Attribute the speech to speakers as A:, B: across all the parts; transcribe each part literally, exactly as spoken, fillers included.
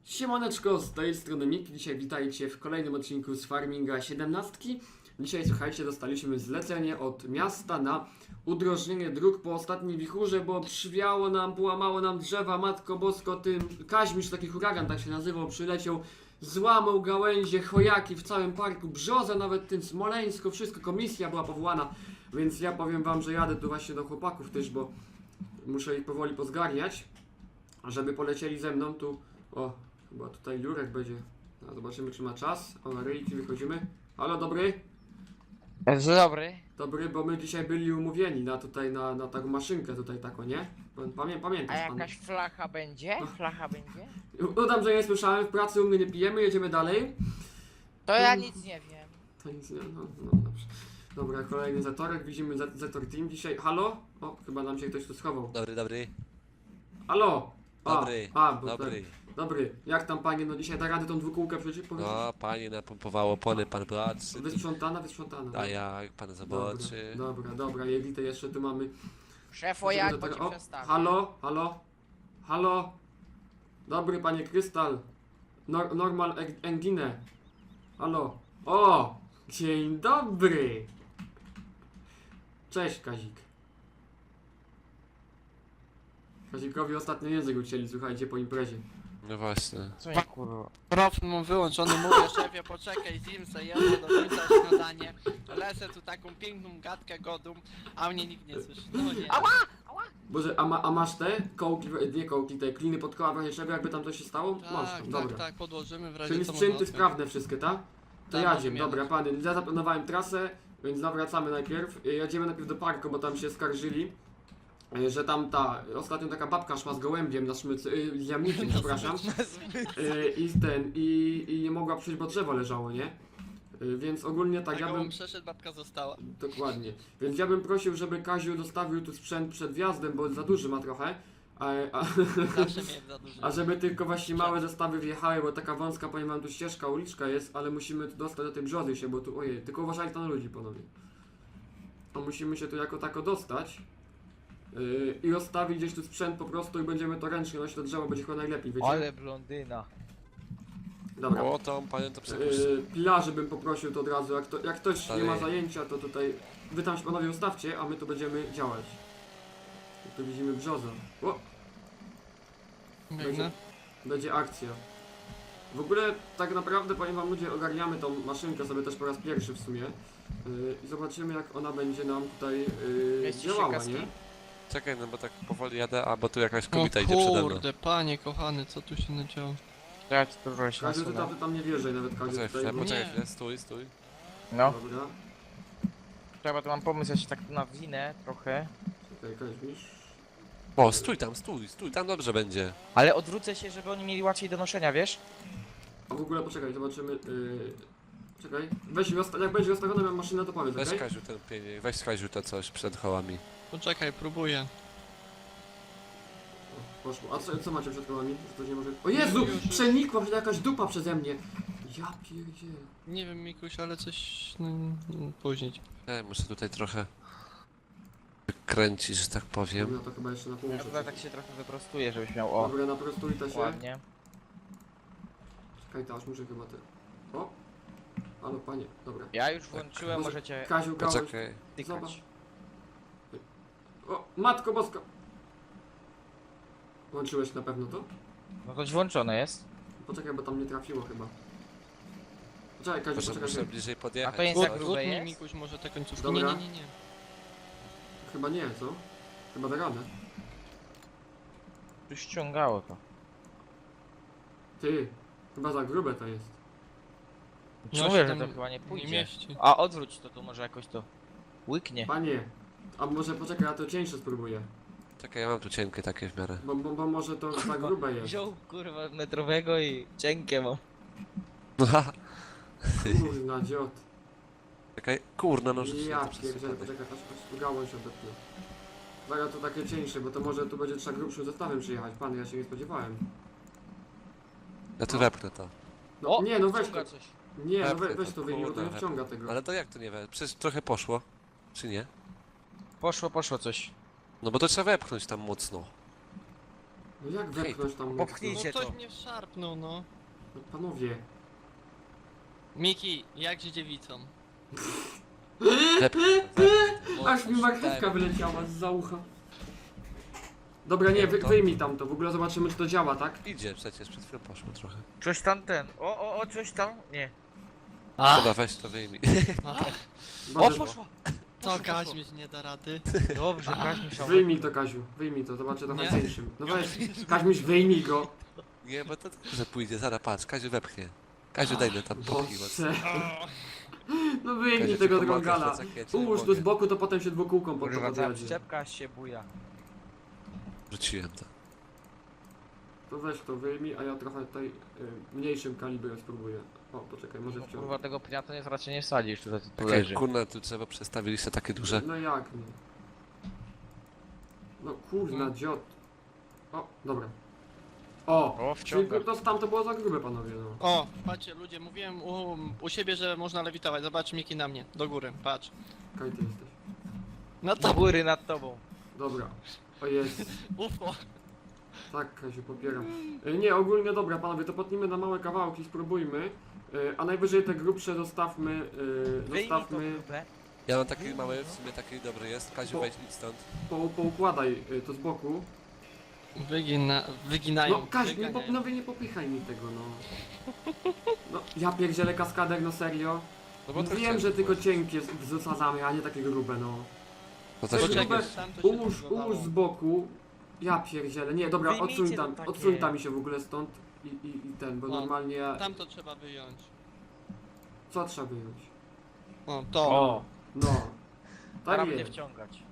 A: Siemaneczko, z tej strony Miki. Dzisiaj witajcie w kolejnym odcinku z Farminga siedemnaście. Dzisiaj, słuchajcie, dostaliśmy zlecenie od miasta na udrożnienie dróg po ostatniej wichurze, bo przywiało nam, połamało nam drzewa, matko bosko, tym Kaźmisz, taki huragan tak się nazywał, przyleciał, złamał gałęzie, chojaki w całym parku, brzozę nawet, tym Smoleńsko, wszystko, komisja była powołana, więc ja powiem wam, że jadę tu właśnie do chłopaków też, bo muszę ich powoli pozgarniać, żeby polecieli ze mną tu. O, chyba tutaj Jurek będzie. No, zobaczymy, czy ma czas. O, na ryjki wychodzimy. Halo, dobry?
B: Dzień dobry.
A: Dobry, bo my dzisiaj byli umówieni na tutaj, na, na taką maszynkę tutaj taką, nie? Pamię,
B: A
A: pamiętasz pan?
B: jakaś flacha będzie? Flacha będzie?
A: Udam, że nie słyszałem, w pracy u mnie nie pijemy, jedziemy dalej.
B: To ja nic nie wiem.
A: To nic nie, no, no dobrze. Dobra, kolejny zatorek, widzimy Z- Zetor Team dzisiaj. Halo? O, chyba nam się ktoś tu schował.
C: Dobry, dobry.
A: Halo? A,
C: Dobry,
A: a, bo
C: dobry.
A: Tak, dobry. Jak tam panie, no dzisiaj da radę tą dwukółkę przecież powiedzieć?
C: No, pani napompowało opony, pan patrzy.
A: Wysprzątana, wysprzątana.
C: A jak pan zobaczy?
A: Dobra, dobra, dobra, Jelitę jeszcze tu mamy.
B: Szefo, jak
A: Żeby
B: bo
A: to-
B: ci
A: o,
B: przestawię.
A: Halo, halo, halo. Dobry panie Krystal. Nor normal eng- engine. Halo. O, dzień dobry. Cześć Kazik. Kazikowi ostatnio język ucięli, słuchajcie, po imprezie.
C: No właśnie.
B: Co nie kurwa?
D: Profil mam wyłączony, mówię szefie, poczekaj, zjem se jadę do końca śniadanie. Lecę tu taką piękną gadkę godą, a mnie nikt nie słyszy. No nie.
B: Ała!
A: Boże, a, ma, a masz te kołki, nie kołki, te kliny pod koła w razie czego, jakby tam coś się stało? masz
D: Tak,
A: tam,
D: tak,
A: dobra.
D: tak, podłożymy w razie
A: Czyli
D: co
A: sprzęty
D: można
A: sprawne wszystkie, tak? To
D: Tak,
A: jadziem,
D: możemy
A: dobra
D: jechać.
A: pany, ja zaplanowałem trasę, więc zawracamy najpierw. Y, Jedziemy najpierw do parku, bo tam się skarżyli, y, że tam ta, ostatnio taka babka szła z gołębiem na smyczy, y, z jamnikiem, przepraszam, y, i ten, i, i nie mogła przyjść, bo drzewo leżało, nie? Y, Więc ogólnie tak,
D: Tak,
A: ja bym,
D: przeszedł, babka została.
A: dokładnie, więc ja bym prosił, żeby Kaziu dostawił tu sprzęt przed wjazdem, bo za duży ma trochę, a, a,
D: Zawsze miałem za dużo.
A: a żeby tylko właśnie małe zestawy wjechały, bo taka wąska, powiem wam, tu ścieżka, uliczka jest, ale musimy tu dostać do tej brzozy się, bo tu, ojej, tylko uważajcie na ludzi, panowie. To musimy się tu jako tako dostać yy, i rozstawić gdzieś tu sprzęt po prostu i będziemy to ręcznie nosić do drzewa, będzie chyba najlepiej, wiecie?
B: Ale blondyna.
A: Dobra.
C: O, to panią to przepuszczę.
A: Yy, pilarzy bym poprosił to od razu, jak, to, jak ktoś nie ma
C: Dalej.
A: zajęcia, to tutaj wy tam się panowie ustawcie, a my tu będziemy działać. I tu widzimy brzozę. O!
D: Biegnę.
A: Będzie akcja. W ogóle tak naprawdę powiem wam ludzie, ogarniamy tą maszynkę sobie też po raz pierwszy w sumie yy, i zobaczymy jak ona będzie nam tutaj yy,
B: Mieści się
A: działała,
B: kaski?
A: nie?
C: Czekaj, no bo tak powoli jadę, a bo tu jakaś
D: O
C: kobieta idzie przede mną.
D: kurde, panie kochany, co tu się nadziało?
B: To ja ci tu trochę się
A: Kaziu, ty tam,
B: nasunę.
A: ty tam nie wierzaj nawet Kaziu
C: Poczekaj
A: tutaj.
C: chwilę,
A: bo-
C: poczekaj
D: Nie.
C: chwilę, stój, stój.
B: No,
A: Dobra,
B: trzeba tu mam pomysł, ja się tak tu nawinę trochę.
A: czekaj Kaźmisz.
C: O, stój tam, stój, stój, tam dobrze będzie.
B: Ale odwrócę się, żeby oni mieli łatwiej do noszenia, wiesz?
A: A w ogóle poczekaj, zobaczymy. Yy, czekaj, weź rozsta- jak będzie rozstawiona moja maszyna to powiedz,
C: Weź
A: okej?
C: Kaziu ten pieniądz, weź Kaziu to coś przed kołami.
D: Poczekaj, próbuję.
A: O, poszło. A co, co macie przed kołami? Że to nie może... O Jezu!
D: Już, już.
A: Przenikła się jakaś dupa przeze mnie! Ja pierdzielę.
D: Nie wiem, Mikuś, ale coś... No, no, później.
C: E, muszę tutaj trochę kręcić, że tak powiem.
A: Dobra, to chyba jeszcze na pół
B: Ja
A: muszę
B: tutaj tak się trochę wyprostuję, żebyś miał o.
A: Dobra, naprostujcie się.
B: Ładnie.
A: Czekaj, to aż muszę chyba te... O! Halo, panie, dobra.
B: Ja już włączyłem,
A: Może-
B: możecie
A: Kaziu, gałąź.
C: Poczekaj.
A: Zobacz.
B: tykać.
A: O, matko boska! Włączyłeś na pewno to?
B: No to włączone jest.
A: Poczekaj, bo tam nie trafiło chyba. Poczekaj, Kaziu,
C: Może
A: poczekaj.
C: muszę bliżej podjechać.
B: A to jest za
C: coś.
B: grube
D: Utnij,
B: jest?
D: Mikuś, może te końcówki.
A: Dobra.
D: Nie, nie, nie, nie.
A: Chyba nie, co? Chyba da radę.
B: Tu ściągało to.
A: Ty, chyba za grube to jest.
B: Czy
D: No,
B: mówię,
D: się
B: że
D: tam
B: to chyba nie
D: Nie
B: pójdzie.
D: mieści.
B: A odwróć to, to może jakoś to łyknie.
A: Panie, a może poczekaj, ja to cieńsze spróbuję.
C: Czekaj, ja mam tu cienkie takie w miarę.
A: Bo, bo, bo może to za grube jest.
B: Wziął kurwa metrowego i cienkie mam.
A: Kurna, dziot.
C: Czekaj, kurna, no rzuć
A: Ja
C: to przez
A: pierdzielę,
C: przypadek.
A: poczekaj, aż, aż gałąź odetnę. Zaraz to takie cieńsze, bo to może tu będzie trzeba grubszym zestawem przyjechać. Pan, ja się nie spodziewałem.
C: Ja tu wepnę to.
A: No,
B: O,
A: nie, no weź to.
B: wciąga coś.
A: Nie, no we,
C: Wepnę
A: weź
C: to,
A: to wyjmij, bo to
C: kurde,
A: nie wciąga tego.
C: Ale to jak to nie we? Przecież trochę poszło. Czy nie?
B: Poszło, poszło coś.
C: No bo to trzeba wepchnąć tam mocno.
A: No jak wepchnąć tam mocno?
B: popchnijcie.
D: No
B: Idzie
D: ktoś
B: to.
D: mnie szarpnął, no.
A: No, panowie.
D: Miki, jak z dziewicą?
C: Wepchnę, wepchnę.
A: Aż mi marchewka wyleciała z za ucha. Dobra, nie,
C: Nie,
A: wy,
C: to-
A: wyjmij tam to, w ogóle zobaczymy czy to działa, tak?
C: Idzie przecież, przed chwilą poszło trochę.
B: Coś tam ten. O, o, o, coś tam. Nie.
C: Dobra, weź to wyjmij.
B: O,
A: Boże,
B: poszło.
D: To Kaźmierz nie da rady.
B: Dobrze, Kaźmierz.
A: wyjmij to Kaziu, wyjmij to, zobaczę trochę
D: Nie.
A: cieńszym. No weź, Kaźmiś wyjmij go.
C: Nie, bo to że pójdzie, zaraz patrz, Kaziu wepchnie. Kaziu daj mi tam popchnij mocno.
A: Boże. No wyjmij
C: Kaziu,
A: tego
C: ci pomogę,
A: drągala.
C: że tak ja ci
A: Ułóż tu
C: pomogę.
A: z boku, to potem się dwukółką pod to
B: Kurwa, ta
A: podjedzie.
B: przyczepka się buja.
C: Rzuciłem to.
A: To weź to wyjmij, a ja trochę tutaj y, mniejszym kalibrem spróbuję. O, poczekaj, może
B: No,
A: wciągnę.
B: kurwa, tego pnia to nie, raczej nie wsadzisz, tutaj tu
C: Takie
B: leży.
C: kurna, tu trzeba przestawiliście takie duże.
A: No jak nie? No kurna,
D: Hmm.
A: dziot. O, dobra. O,
B: O,
A: czyli
B: wciąga.
A: to tam to było za grube, panowie, no.
D: O, patrzcie ludzie, mówiłem u, u siebie, że można lewitować. Zobacz Miki na mnie, do góry, patrz.
A: Kaj ty jesteś.
D: No
B: Do
D: to
B: góry nad tobą.
A: Dobra. O jest.
D: ufo.
A: Tak, Kaziu, popieram. Y, Nie, ogólnie dobra, panowie, to potnijmy na małe kawałki, spróbujmy. Y, A najwyżej te grubsze zostawmy, y,
B: Wyjmij to
A: zostawmy,
B: grube.
C: Ja mam taki mały, w sumie taki dobry jest. Kaziu,
A: Po-
C: wejdź idź stąd.
A: po, poukładaj y, to z boku.
D: Wygina, wyginają.
A: No Kaziu, nie,
D: wyganiają.
A: pop, no, wy nie popychaj mi tego, no. No, ja pierdzielę kaskader, no serio.
C: No bo to
A: Wiem,
C: chciałem
A: że tylko
C: spróbować.
A: cienkie z- zasadzamy, a nie takie grube, no.
C: To
A: Coś
C: też
A: grube-
C: grube.
D: Poczekaj, tam to się
A: Ułóż,
D: zbugowało.
A: ułóż z boku. Ja pierdzielę. Nie, dobra,
B: Wyjmijcie
A: odsuń
B: to
A: tam,
B: takie.
A: odsuń tam mi się w ogóle stąd i, i, i ten, bo
D: No,
A: normalnie ja...
D: Tam to trzeba wyjąć.
A: Co trzeba wyjąć?
D: O, to.
B: O,
A: No.
B: teraz
A: Tak
B: będzie
A: jest.
B: wciągać.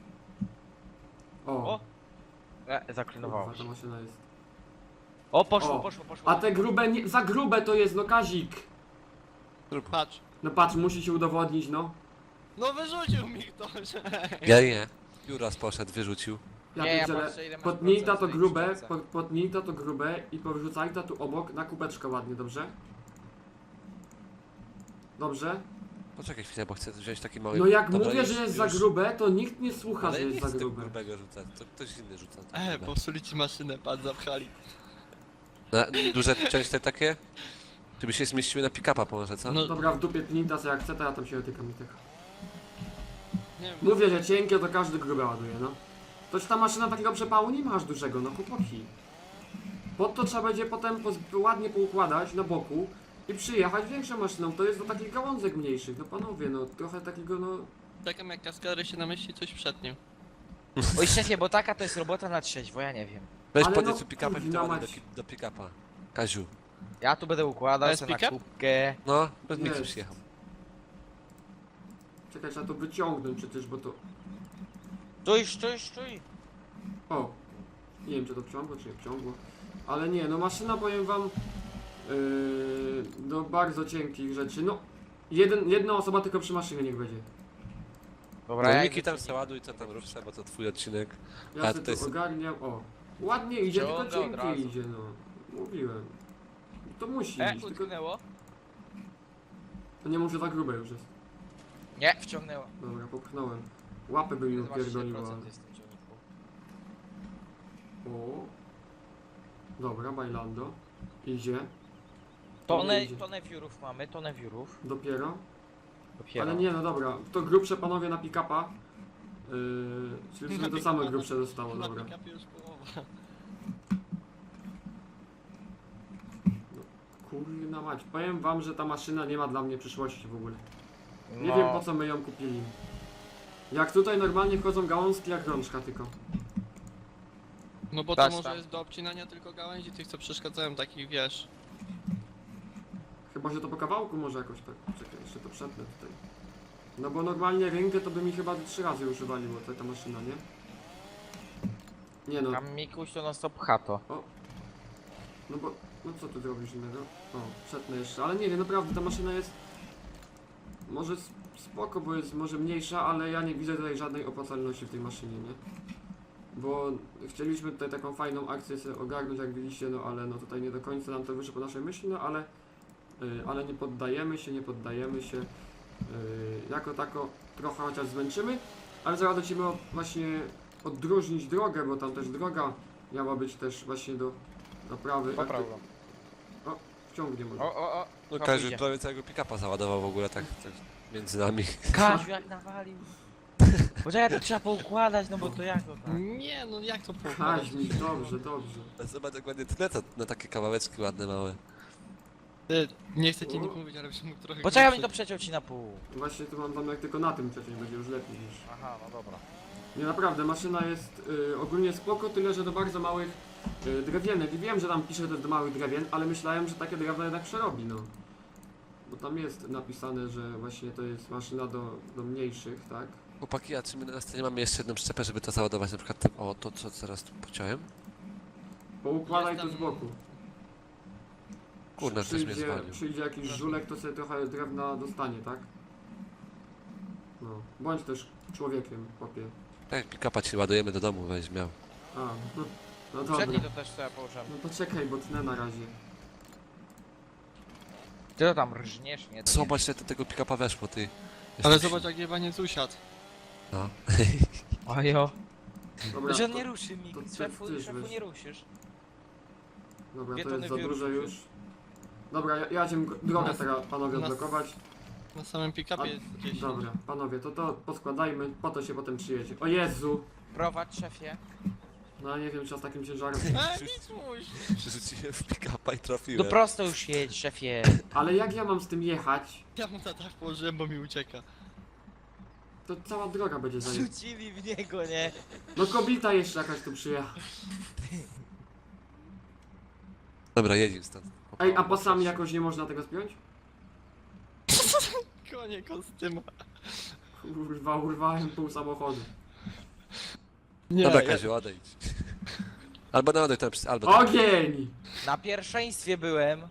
A: O.
B: O, e,
A: Kurwa,
B: zaklinowało
A: ta
B: się.
A: maszyna jest.
B: O, poszło,
A: O.
B: poszło, poszło.
A: A te grube, nie, za grube to jest, no Kazik.
D: Patrz.
A: No patrz, musi się udowodnić, no.
D: No wyrzucił mi ktoś.
C: Ja nie. Juras poszedł, wyrzucił.
A: Ja
B: Nie, ja
A: pierdzielę.
B: patrzę, ile masz
A: Potnij ta
B: procent
A: to
B: tej
A: grube,
B: kształce.
A: po, potnij ta to grube i porzucaj ta tu obok na kubeczkę ładnie, dobrze? Dobrze?
C: Poczekaj chwilę, bo chcę wziąć taki mały...
A: No jak
C: Dobra,
A: mówię,
C: już-
A: że jest
C: już.
A: za grube, to nikt nie słucha,
C: Ale
A: że
C: nie
A: jest za
C: chcę tego
A: grube.
C: grubego rzucać, to ktoś inny rzuca. to
D: E,
C: grube.
D: popsuli ci maszynę, patrz, zapchali.
C: Na, duże część te takie? Żeby się zmieściły na pick-upa może, co?
D: No,
A: Dobra, w dupie tnij ta, co jak chce, to ja tam się dotykam i tych.
D: nie wiem.
A: Mówię, że cienkie to każdy grube ładuje, no. Toż ta maszyna takiego przepału nie masz dużego, no chłopaki. Pod to trzeba będzie potem poz- ładnie poukładać na boku i przyjechać większą maszyną. To jest do takich gałązek mniejszych, no panowie, no trochę takiego, no...
D: Czekam jak kaskadery się namyśli coś przed nim.
B: Oj, szefie, bo taka to jest robota na trzeźwo, ja nie wiem.
C: Weź
A: ale
C: podnieś
A: no,
C: tu pick-upem i
A: kurwa
C: to ładnie do,
A: mać.
C: ki- do pick-upa. Kaziu.
B: Ja tu będę układał
D: To jest
B: sobie na
D: pick-up?
B: kubkę.
C: No, bez
A: Jest.
C: miksu przyjechał.
A: Czekaj, trzeba to wyciągnąć przecież, bo to...
B: Stój, stój, stój.
A: O! Nie wiem, czy to wciągło, czy nie wciągło. Ale nie, no maszyna, powiem wam, yy, do bardzo cienkich rzeczy. No, jeden, jedna osoba tylko przy maszynie niech będzie.
B: Dobra,
C: No
B: ja
C: Miki
B: idę
C: tam
B: tu-
C: se ładuj, co tam ruszce, bo to twój odcinek.
A: Ja
C: A,
A: sobie
C: tutaj
A: tu
C: jest-
A: ogarniam, o. Ładnie idzie, tylko
B: Wciąga od
A: cienkie
B: razu.
A: idzie, no. Mówiłem. To musi
B: E,
A: iść, tylko
B: utknęło?
A: to nie może za grube już jest.
B: Nie, wciągnęło.
A: Dobra, popchnąłem. Łapę by mi
B: Zobaczcie,
A: upierdoliło. ale-
B: procent jest w tym ciągniku.
A: O. Dobra, bailando. Idzie.
B: Tonę,
A: Idzie.
B: tonę wiórów mamy, tonę wiórów.
A: Dopiero.
B: Dopiero.
A: Ale nie, no dobra. To grubsze panowie na pick-upa. Yy, czyli w sumie to same grubsze zostało,
D: Na
A: dobra.
D: pick-upie już połowa.
A: Kurna mać, powiem wam, że ta maszyna nie ma dla mnie przyszłości w ogóle. Nie
B: No.
A: wiem po co my ją kupili. Jak tutaj normalnie wchodzą gałązki jak rączka tylko.
D: No bo
B: Tak,
D: to może
B: tak.
D: jest do obcinania tylko gałęzi tych co przeszkadzają, takich wiesz.
A: Chyba, że to po kawałku może jakoś tak. Czekaj, jeszcze to przetnę tutaj. No bo normalnie rękę to by mi chyba trzy razy już wywaliło ta, ta maszyna, nie? Nie no,
B: Tam Mikuś to non stop pcha to.
A: no bo, no co tu zrobisz innego? O, przetnę jeszcze, ale nie wiem, naprawdę ta maszyna jest może s- spoko, bo jest może mniejsza, ale ja nie widzę tutaj żadnej opłacalności w tej maszynie, nie? Bo chcieliśmy tutaj taką fajną akcję sobie ogarnąć, jak widzicie, no ale no tutaj nie do końca nam to wyszło po naszej myśli, no ale yy, ale nie poddajemy się, nie poddajemy się. Yy, jako tako trochę chociaż zmęczymy, ale zaraz lecimy o- właśnie odróżnić drogę, bo tam też droga Miała być też właśnie do naprawy.
B: Popraw go.
A: O, wciągnie może.
B: O, o, o.
C: No
B: Chyba
C: Kaziu
B: pójdzie.
C: prawie całego pick-upa załadował w ogóle tak, tak między nami.
B: Kaziu jak nawalił. Poczekaj, to trzeba poukładać, no bo to jak to tak?
D: Nie, no jak to poukładać?
A: Kaźmi, dobrze, dobrze.
C: Zobacz jak ładnie tyle to na takie kawałeczki ładne, małe.
D: Ty, nie chcę ci nic mówić, ale byś mógł trochę...
B: Poczekaj, mi
D: krótszy.
B: to przeciął ci na pół.
A: Właśnie tu mam zamiar tylko na tym przecież będzie już lepiej niż...
B: Aha, no dobra.
A: Nie, naprawdę, maszyna jest y, ogólnie spoko, tyle że do bardzo małych y, drewienek. I wiem, że tam pisze, że to jest do małych drewien, ale myślałem, że takie drewno jednak przerobi, no. Bo tam jest napisane, że właśnie to jest maszyna do, do mniejszych, tak?
C: Chłopaki, a czy my na scenie mamy jeszcze jedną przyczepę, żeby to załadować na przykład tym, o to co teraz tu pociąłem?
A: Poukładaj
D: Jestem-
A: to z boku.
C: Kurna, ktoś mnie
A: przyjdzie,
C: zwalił.
A: przyjdzie jakiś żulek, to sobie trochę drewna dostanie, tak? No, bądź też człowiekiem, chłopie.
C: Tak, pick-upa ci ładujemy do domu, weź miał.
A: A, no, no dobra.
B: Przedni to też sobie położymy.
A: No poczekaj, bo tnę na razie.
B: Ty to tam rżniesz, nie? To
C: Zobacz, ile do tego pick-upa weszło, ty.
D: Ale
C: Jesteś-
D: zobacz jak jebaniec usiadł.
C: No.
B: nie. Ojo.
A: Dobra,
B: Że
A: to,
B: nie ruszy mi,
A: to ty-
B: szefu,
A: ty
B: szefu
A: weź.
B: nie ruszysz.
A: dobra,
B: dwie
A: to
B: tony
A: jest za
B: wieruszy.
A: duże już. Dobra, ja, ja cię drogę
D: Nas-
A: teraz panowie
D: nas-
A: odblokować.
D: Na samym
A: A,
D: pick-upie jest gdzieś.
A: dobra, panowie, to to poskładajmy, po to się potem przyjedzie. O Jezu!
B: Prowadź, szefie.
A: No nie wiem, czy ja z takim ciężarem.
D: E, nic mój!
C: Przerzuciłem w pick-upa i
B: No
C: trafiłem.
B: prosto już jedź, szefie.
A: Ale jak ja mam z tym jechać,
D: Ja mu na dach położyłem, bo mi ucieka.
A: to cała droga będzie za nim.
B: Rzucili w niego, nie?
A: No kobieta jeszcze jakaś tu przyjechała.
C: Dobra, jedź stąd.
A: Ej, a pasami jakoś nie można tego spiąć?
D: Konie kostyma.
A: Kurwa, urwałem pół samochodu.
D: Nie,
C: Dobra,
D: ja-
C: Kaziu, odejdź. Albo na odejdź, to przy- albo tam.
A: Ogień!
B: Na pierwszeństwie byłem.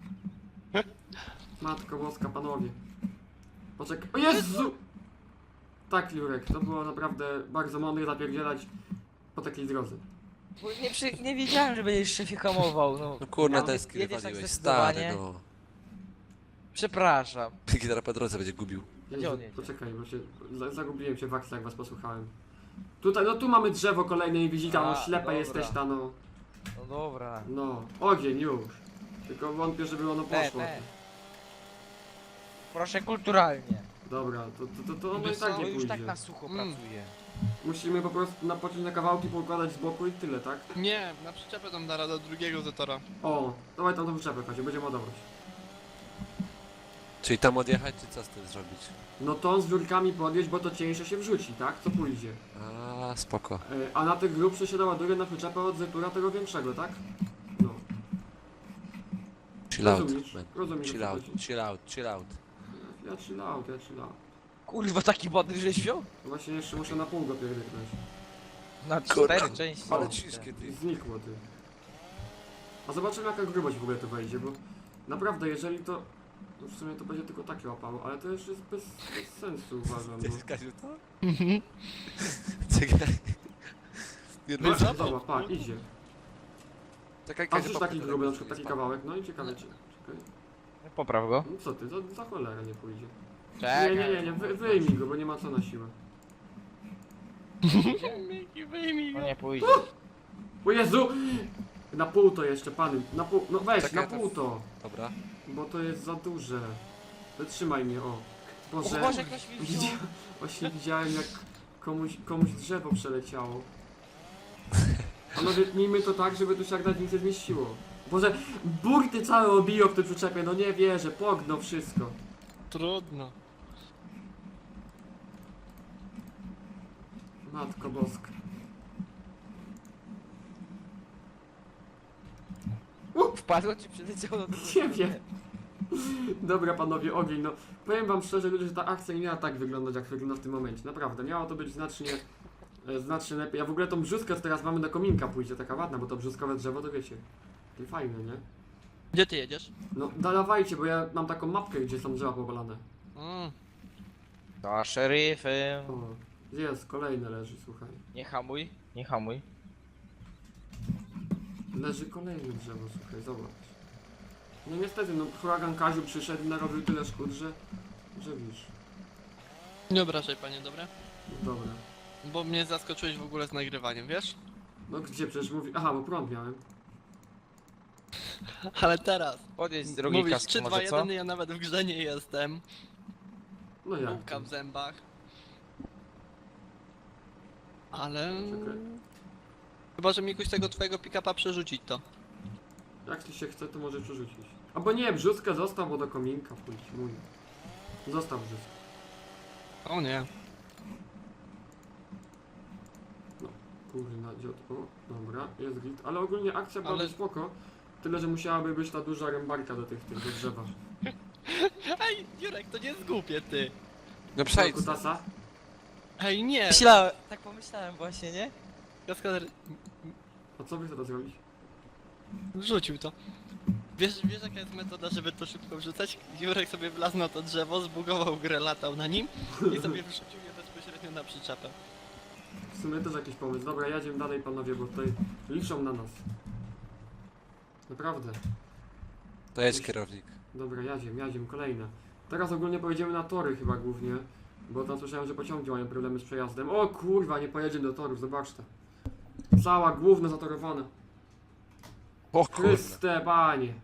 A: Matko boska, panowie. Poczekaj. O Jezu! Tak, Jurek, to było naprawdę bardzo mądre zapierdzielać po takiej drodze.
B: Bo nie, przy, nie wiedziałem, że będziesz szefie hamował, no.
C: No kurna,
A: Ja-
C: deski
B: jedziesz tak
C: wywaliłeś,
B: zdecydowanie?
C: stary, no.
B: Przepraszam.
C: Gitara po drodze będzie gubił.
B: Gdzie
A: Jezu,
B: on jedzie?
A: poczekaj, bo się za, zagubiłem się w akcji, jak was posłuchałem. Tutaj, no tu mamy drzewo kolejne i widzita, no
B: A,
A: ślepa
B: dobra.
A: jesteś ta, no.
B: No dobra.
A: No, ogień już. Tylko wątpię, żeby ono
B: Te,
A: poszło.
B: te. Proszę kulturalnie.
A: Dobra, to, to, to, to ono i
D: Wiesz
A: tak
D: co,
A: nie
B: Bo już tak
A: pójdzie.
B: na sucho
D: Mm.
B: pracuje.
A: Musimy po prostu napocząć na kawałki, poukładać z boku i tyle, tak?
D: Nie, na przyczepę tam da radę drugiego zatora.
A: O, dawaj tam tą przyczepę, Kazie, będziemy ładować.
C: Czyli tam odjechać, czy co z tym zrobić?
A: No to z wiórkami podjeść, bo to cieńsze się wrzuci, tak? Co pójdzie.
C: A, spoko.
A: E, a na tych grubsze się doładuje na przyczepę od zetura tego większego, tak? No.
C: Chill out,
A: Rozumiesz?
C: man.
A: Rozumiesz, o
C: Chill
A: co
C: out,
A: chodzi.
C: chill out, chill out.
A: Ja chill out, ja chill out.
B: Kurwa, taki bodry żeś wziął?
A: Właśnie jeszcze muszę na pół go pierdyknąć.
B: Na
C: Kurwa,
B: cztery części.
C: Ale ciężkie, ty.
A: Znikło, ty. A zobaczymy jaka grubość w ogóle to wejdzie, bo naprawdę jeżeli to... No w sumie to będzie tylko takie łapało, ale to jeszcze jest bez, bez sensu uważam, bo...
C: Jest Kaziu to? Czekaj. Nie,
A: No,
C: no,
D: Zobacz.
A: zobacz, pa, idzie.
C: czekaj,
A: A
C: Kaziu,
A: przecież
C: popytaj
A: taki
C: do
A: gruby, na
C: tego,
A: przykład
C: żeby
A: taki
C: nie
A: kawałek, no i ciekawe cię. Czekaj.
B: Popraw go.
A: No co ty, za, za cholerę nie pójdzie.
B: Czekaj.
A: Nie, nie, nie, nie, wy, wyjmij go, bo nie ma co na siłę.
D: Miki, wyjmij
B: No
D: go.
B: nie pójdzie.
A: O Jezu! Na pół to jeszcze, pany, na pół, no weź,
C: Czekaj,
A: na pół to,
C: Dobra.
A: bo to jest za duże. Wytrzymaj mnie, o.
B: O
A: Boże,
B: Boże, ktoś mi wziął.
A: widzia, właśnie widziałem jak komuś, komuś drzewo przeleciało. Panowie, tnijmy to tak, żeby tu się jak nawet nic nie zmieściło. Boże, burty całe obiją w tym przyczepie, no nie wierzę, pogno wszystko.
D: Trudno.
A: Matko boska.
B: Wpadło ci przyleciało do
A: Nie wiem. Dobra panowie, ogień, no powiem wam szczerze ludzie, że ta akcja nie miała tak wyglądać jak wygląda w tym momencie, naprawdę, miało to być znacznie, e, znacznie lepiej, a w ogóle tą brzuskę, co teraz mamy do kominka pójdzie, taka ładna, bo to brzuskowe drzewo to wiecie, takie fajne, nie?
D: Gdzie ty jedziesz?
A: No dawajcie, bo ja mam taką mapkę, gdzie są drzewa powalane.
D: Mm.
B: To szeryfem.
A: O, jest, kolejne leży, słuchaj.
B: Nie hamuj, nie hamuj.
A: Leży kolejne drzewo, słuchaj, zobacz. No niestety, no huragan Kaziu przyszedł i narobił tyle szkód, że, że wiesz,
D: Nie obrażaj panie, dobra?
A: dobra.
D: Bo mnie zaskoczyłeś w ogóle z nagrywaniem, wiesz?
A: No gdzie przecież mówi... Aha, bo prąd miałem.
D: Ale teraz.
B: Podjedź z drugiej
D: Mówisz
B: kaski
D: trzy, dwa,
B: może, co?
D: jeden, ja nawet w grze nie jestem.
A: No jak?
D: Bułka w zębach. Ale...
A: Czekaj.
D: Chyba, że mi jakoś tego twojego pick-upa przerzucić to.
A: Jak ci się chce, to może przerzucić. Albo nie, brzuskę zostaw, bo do kominka pójdź, mój. Zostaw brzuskę.
D: O nie.
A: Kurna, dziot. O, dobra, jest git. Ale ogólnie akcja była
D: Ale-
A: spoko. Tyle, że musiałaby być ta duża rębarka do tych, tych do drzewa.
D: Ej, Jurek, to nie jest głupie, ty.
C: No przejdź.
A: Kutasa?
D: Ej, nie.
B: Myślałem, tak pomyślałem właśnie, nie?
D: Kaskader
A: A co by chcesz zrobić?
D: rzucił to. Wiesz, wiesz jaka jest metoda, żeby to szybko wrzucać? Jurek sobie wlazł na to drzewo, zbugował grę, latał na nim i sobie wrzucił je bezpośrednio na przyczepę.
A: W sumie też jakiś pomysł. Dobra, jedziemy dalej panowie, bo tutaj liczą na nas. Naprawdę.
C: To jedź kierownik.
A: Dobra, jadziem, jadziem, kolejne. Teraz ogólnie pojedziemy na tory chyba głównie. Bo tam słyszałem, że pociągi mają problemy z przejazdem. O kurwa, nie pojedziemy do torów, zobaczcie. Cała główna zatorowana.
C: O kurwa.
A: Chryste, panie.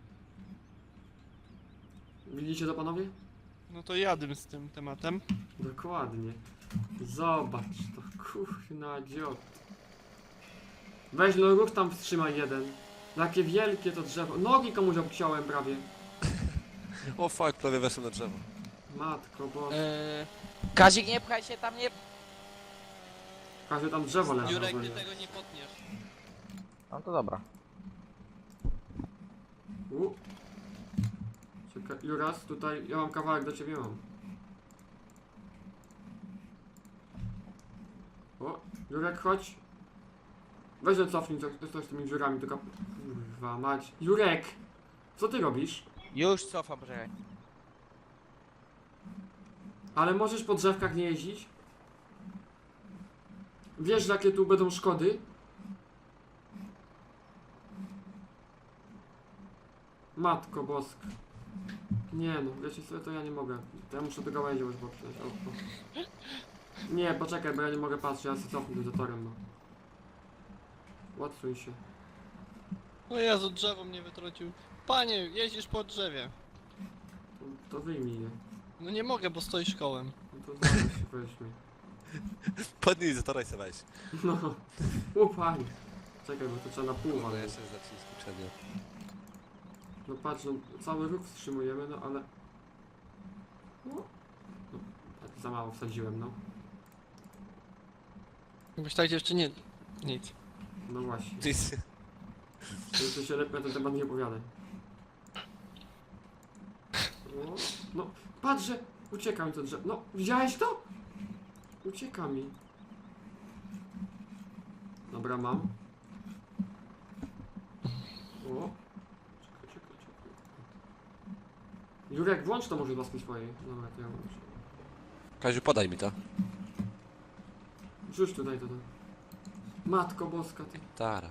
A: Widzicie to panowie?
D: No to jadę z tym tematem.
A: Dokładnie. Zobacz to, kurna dziot. Weź no ruch tam wstrzymaj jeden. Jakie wielkie to drzewo. Nogi komuś obciąłem prawie.
C: O fuck, prawie weszłem na drzewo.
A: Matko, bo...
D: Eee,
B: Kazik, nie pchaj się tam, nie...
A: Każdy tam drzewo leży
D: Jurek, ty
A: ogólnie.
D: tego nie potniesz.
B: No to dobra.
A: U. Czekaj, Juras, tutaj ja mam kawałek do ciebie mam. O, Jurek, chodź. Weź no cofnij coś, coś z tymi dziurami, tylko... Kurwa mać. Jurek! Co ty robisz?
B: Już cofam, poczekaj.
A: Ale możesz po drzewkach nie jeździć? Wiesz, jakie tu będą szkody? Matko boska. Nie no, wiecie co, to ja nie mogę. To ja muszę do gałęzi już poprzeć. O, o. Nie, poczekaj, bo ja nie mogę patrzeć, ja się cofnę za torem, no. Łatwuj się.
D: O Jezu, drzewo mnie wytrącił. Panie, jeździsz po drzewie.
A: To, to wyjmij je.
D: No nie mogę, bo stoisz kołem.
A: No to zaraz się weźmie.
C: Podnij, zatoraj se weź.
A: No. Upaj. Czekaj, bo to trzeba na pół
C: Kurwa,
A: walnąć.
C: jeszcze zacznij skuczenie.
A: No patrz, no, cały ruch wstrzymujemy, no ale... No, no, tak za mało wsadziłem, no.
D: Jakbyś tak jeszcze nie... Nic.
A: No właśnie.
C: Nic.
A: To się lepiej na ten temat nie opowiadaj. O, no, patrz, że ucieka mi to drzewo. No, widziałeś to? Ucieka mi. Dobra, mam. O. Czekaj, czekaj, czekaj. Jurek, włącz to może z łaski swojej. Dobra, to ja włączę.
C: Kaziu, podaj mi to.
A: Rzuć tutaj to. to. Matko boska, ty.
C: Tara.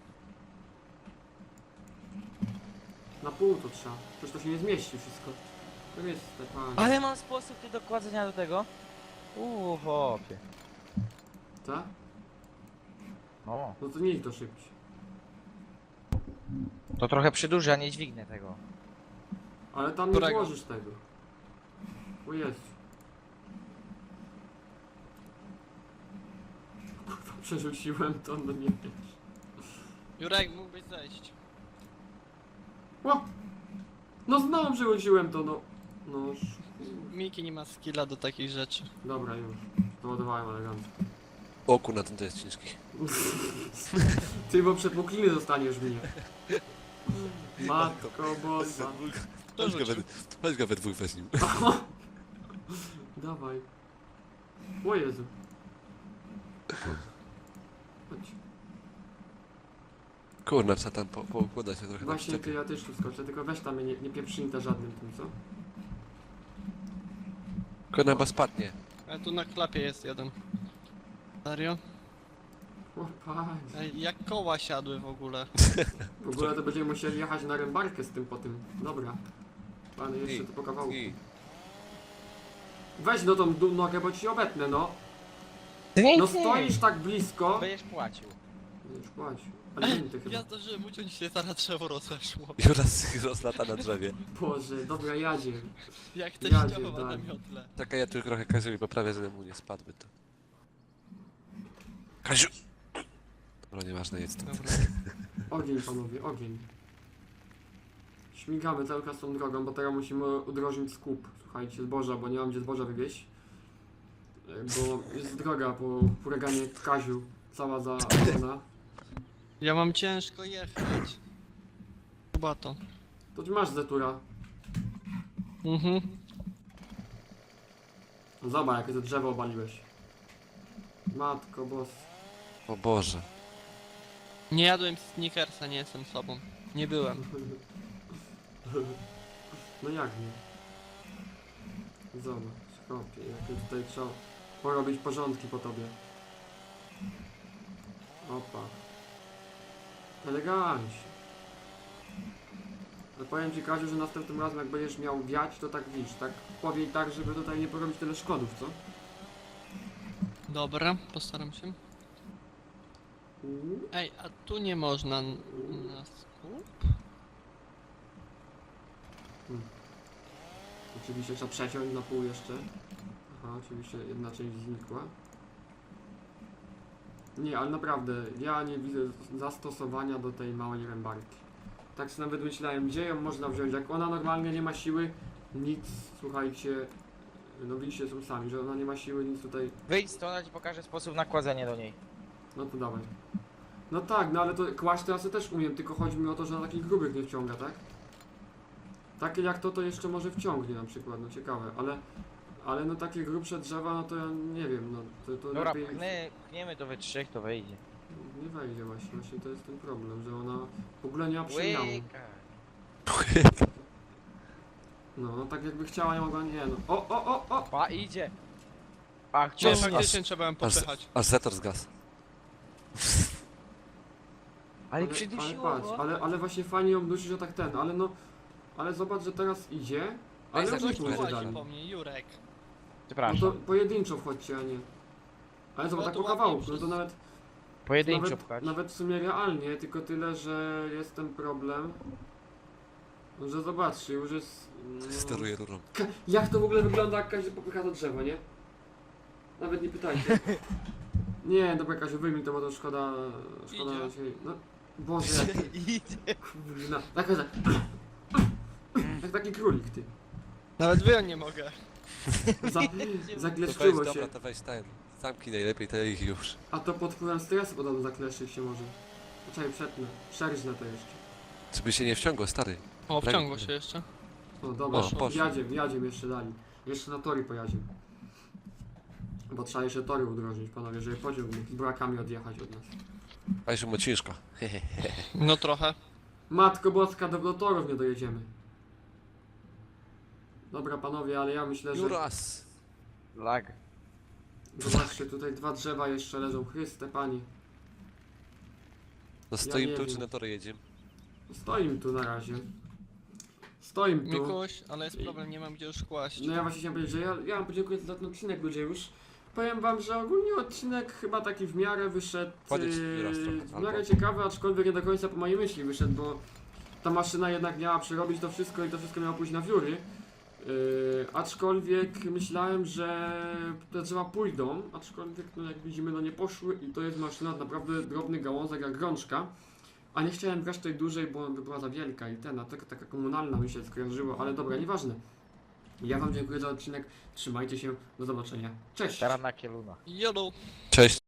A: Na pół to trzeba. Przecież to się nie zmieści wszystko. To jest te panie.
B: Ale mam sposób ty dokładzenia do tego. Uuu, chłopie.
A: Tak?
B: O.
A: No to nie idź to szybciej.
B: To trochę przydłuży, a nie dźwignę tego.
A: Ale tam nie
D: Którego?
A: włożysz tego. O Jezu. Kurwa, przerzuciłem to, no nie wiesz.
D: Jurek, mógłbyś zejść.
A: O! No znowu przerzuciłem to, no. No, sz-
D: Miki nie ma skilla do takich rzeczy.
A: dobra już. Załadowałem elegancko.
C: O kurna, ten to jest ciężki.
A: Ty, bo przepukliny dostaniesz mnie. Matko boska.
C: Weź go we, weź go we dwóch weź nim.
A: Dawaj. O Jezu. Chodź.
C: Kurna, trzeba tam po, poukładać się trochę na
A: Właśnie ty,
C: przyczepie.
A: ja też tu skoczę, tylko weź tam mnie nie, nie pieprzyni to żadnym tym, co?
C: Kurna, chyba spadnie.
D: Ale tu na klapie jest jeden. Serio?
A: O panie.
D: Ej, jak koła siadły w ogóle.
A: W ogóle to będziemy musieli jechać na rębarkę z tym po tym. Dobra. Panie, jeszcze
C: I-
A: to po kawałku.
C: I
A: Weź no tą du- nogę, bo ci obetnę, no.
B: Ty nie,
A: No
B: nie.
A: stoisz tak blisko.
B: Będziesz płacił.
A: Już płać. Alimenty chyba.
D: Ja zdążyłem uciąć się, zaraz drzewo rozeszło.
C: Juras rozlata na drzewie.
A: Boże, dobra, jadzie.
D: Jak te
A: Jadzie,
D: ścioła na
A: tak.
D: miotle.
C: Czekaj, ja tu trochę Kaziu mi poprawię, żeby mu nie spadły to. Kaziu! Dobra, nieważne, jest to.
D: Dobra.
A: Ogień, panowie, ogień. Śmigamy cały czas tą drogą, bo teraz musimy udrożnić skup. Słuchajcie, zboża, bo nie mam gdzie zboża wywieźć. E, Bo jest droga po huraganie Kaziu, cała zaorana.
D: Ja mam ciężko jechać. Chyba to.
A: To ty masz zetura.
D: Mhm.
A: Zobacz, jakie to drzewo obaliłeś. Matko boss.
C: O Boże.
D: Nie jadłem Snickersa, nie jestem sobą. Nie byłem.
A: No jak nie? Zobacz, chłopie, jakie tutaj trzeba porobić porządki po tobie. Opa. Elegancie. Ale powiem ci, Kaziu, że następnym razem jak będziesz miał wiać, to tak wisz, tak powiej tak, żeby tutaj nie porobić tyle szkodów, co?
D: Dobra, postaram się.
A: Mm.
D: Ej, a tu nie można n- na skup?
A: Oczywiście trzeba przeciąć na pół jeszcze. Aha, oczywiście jedna część znikła. Nie, ale naprawdę, ja nie widzę zastosowania do tej małej rębarki. Tak sobie nawet myślałem, gdzie ją można wziąć, jak ona normalnie nie ma siły, nic, słuchajcie, no widzicie są sami, że ona nie ma siły, nic tutaj,
B: Wyjdź stąd, ja ci pokażę sposób nakładzenia do niej.
A: no to dawaj. No tak, no ale to kłaść teraz ja też umiem, tylko chodzi mi o to, że na takich grubych nie wciąga, tak? Takie jak to, to jeszcze może wciągnie na przykład, no ciekawe, ale, ale no takie grubsze drzewa, no to ja nie wiem, no to, to
B: Dobra,
A: lepiej...
B: pchny, pchniemy to we trzech, to wejdzie.
A: Nie wejdzie właśnie, właśnie to jest ten problem, że ona w ogóle nie ma przemiału.
B: Łyka.
A: No, no tak jakby chciała, nie mogła, nie no. O, o, o, o!
B: Pa, idzie. Ach,
D: Nie,
C: Aż-
B: ciągnie.
D: faktycznie trzeba ją
C: Aż,
D: popychać.
C: aż Zetor zgasł.
B: Ale
A: ale
B: przydusiło
A: patrz,
B: go.
A: ale, ale właśnie fajnie ją dusi, że tak ten, ale no, ale zobacz, że teraz idzie, ale
C: Ej,
A: już nie
C: zobacz,
A: pójdzie
D: Łazi
A: dalej.
D: po mnie, Jurek.
A: No
B: Przepraszam.
A: to pojedynczo wchodźcie, a nie. Ale zobacz,
D: No
A: tak
D: to
A: po kawałku, no
D: ładnie
A: to nawet,
B: Pojedynczo
A: nawet,
B: pchać.
A: nawet w sumie realnie, tylko tyle, że jest ten problem, że zobaczcie, już jest... no,
C: Steruję rurą.
A: Ka- Jak to w ogóle wygląda, jak każdy popycha to drzewo, nie? Nawet nie pytajcie. Nie, dobra Kaziu, wyjmij to, bo to szkoda... Szkoda
D: Idzie.
A: się... No, Boże, jak...
B: Idzie.
A: Kurna, tak, że... Jak taki królik, ty.
D: Nawet wyjąć nie mogę.
A: Za,
C: To weź,
A: zakleszczyło się.
C: dobra, to weź ten. Zamknij najlepiej te ich już.
A: A to pod wpływem stresu podobno zakleszczyć się może. Poczekaj, przetnę. Przerżnę to jeszcze.
C: Żeby się nie wciągło, stary.
D: O, wciągło się jeszcze.
A: O, dobra,
C: O, poszło.
A: jadziem, jadziem jeszcze dali. Jeszcze na tory pojadziem. Bo trzeba jeszcze tory udrożnić, panowie, żeby pociąg mógł z brakami odjechać od nas.
C: A jeszcze mu ciężko.
D: No trochę.
A: Matko Boska, do, do torów nie dojedziemy. Dobra panowie, ale ja myślę, że...
C: Juras!
B: Lag.
A: Zobaczcie, tutaj dwa drzewa jeszcze leżą. Chryste Panie.
C: No stoimy
A: nie
C: tu,
A: wiem.
C: czy na tory jedziemy?
A: Stoim tu na razie. Stoim tu.
D: Mikuś, ale jest problem, nie mam gdzie już kłaść.
A: No ja właśnie chciałem powiedzieć, że ja, ja wam podziękuję za ten odcinek ludzie już. Powiem wam, że ogólnie odcinek chyba taki w miarę wyszedł,
C: Podjedź
A: yy,
C: raz trochę,
A: w miarę
C: albo-
A: ciekawy, aczkolwiek nie do końca po mojej myśli wyszedł, bo ta maszyna jednak miała przerobić to wszystko i to wszystko miało pójść na wióry. Yy, aczkolwiek myślałem, że te drzewa pójdą, aczkolwiek no jak widzimy no nie poszły i to jest maszyna naprawdę drobny gałązek jak grączka. A nie chciałem brać tej dużej, bo by była za wielka i ten, a taka, taka komunalna mi się skojarzyło, ale dobra, nieważne. Ja wam dziękuję za odcinek, trzymajcie się, do zobaczenia, cześć!
B: Teraz na kieluna.
D: Jolo.
C: Cześć!